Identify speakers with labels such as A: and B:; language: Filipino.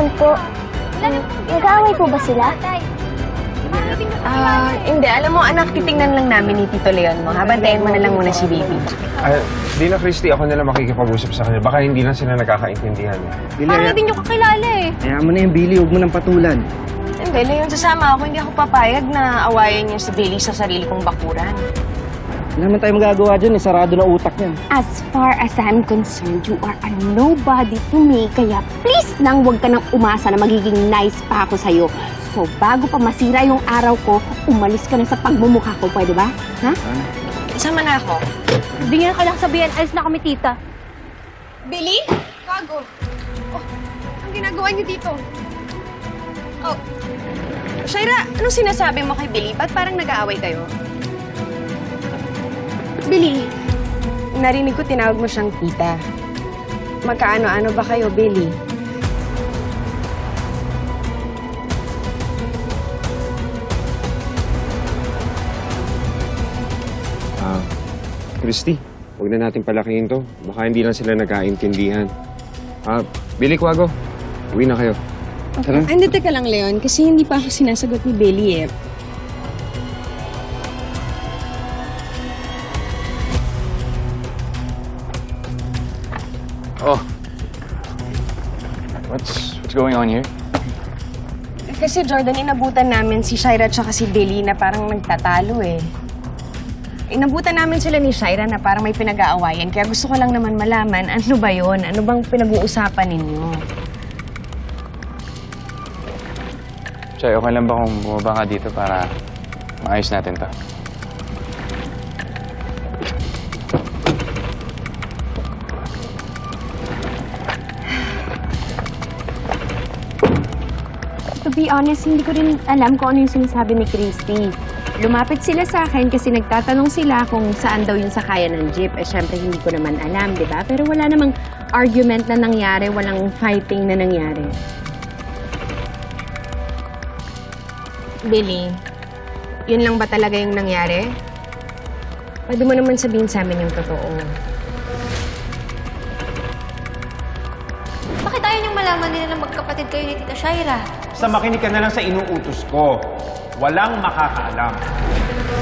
A: naman po. Nag-aaway po ba sila?
B: Hindi. Alam mo, anak, titingnan lang namin ni Tito Leon mo. Habantayin mo na lang muna si baby.
C: Di na, Christy, ako na lang makikipag-usap sa kanya. Baka hindi lang sila nagkakaintindihan.
D: Parang hindi nyo kakilala eh.
E: Kaya mo na yung Billy, huwag mo nang patulan.
B: Hindi, Leon, sasama ako. Hindi ako papayag na awayan niya si Billy sa sarili kong bakuran.
E: Wala naman tayo magagawa dyan, sarado na utak yan.
D: As far as I'm concerned, you are a nobody to me. Kaya please lang huwag ka nang umasa na magiging nice pa ako sa'yo. So bago pa masira yung araw ko, umalis ka na sa pagmumukha ko. Pwede ba? Ha?
B: Sama na ako.
D: Hindi nga ka lang sabihin, alis na kami, tita.
B: Billy? Kago. Oh, ang ginagawa niyo dito? Oh. Shaira, anong sinasabi mo kay Billy? Ba't parang nag-aaway kayo? Billy, narinig ko tinawag mo siyang tita. Magkaano-ano ba kayo, Billy?
C: Christy, huwag na natin palakihin to. Baka hindi lang sila nagkaintindihan. Billy, Quago, uwi na kayo. Tara.
B: Hindi, teka lang, Leon. Kasi hindi pa ako sinasagot ni Billy eh.
F: Oh. What's going on here?
B: Kasi Jordan, inabutan namin si Shaira at si Billy na parang nagtatalo eh. Inabutan namin sila ni Shaira na parang may pinag-aawayan. Kaya gusto ko lang naman malaman, ano ba yon? Ano bang pinag-uusapan ninyo?
F: Chay, okay lang ba kung bumaba ka dito para maayos natin to?
D: To be honest, hindi ko rin alam kung ano yung sinasabi ni Christy. Lumapit sila sa akin kasi nagtatanong sila kung saan daw yung sakayan ng jeep. Eh, syempre, hindi ko naman alam, di ba? Pero wala namang argument na nangyari, walang fighting na nangyari.
B: Billy, yun lang ba talaga yung nangyari? Pwede mo naman sabihin sa amin yung totoo.
A: Bakit ayaw niyong malaman nila na magkapatid kayo ni Tita Shaira?
G: Basta makinig ka na lang sa inuutos ko. Walang makakaalam.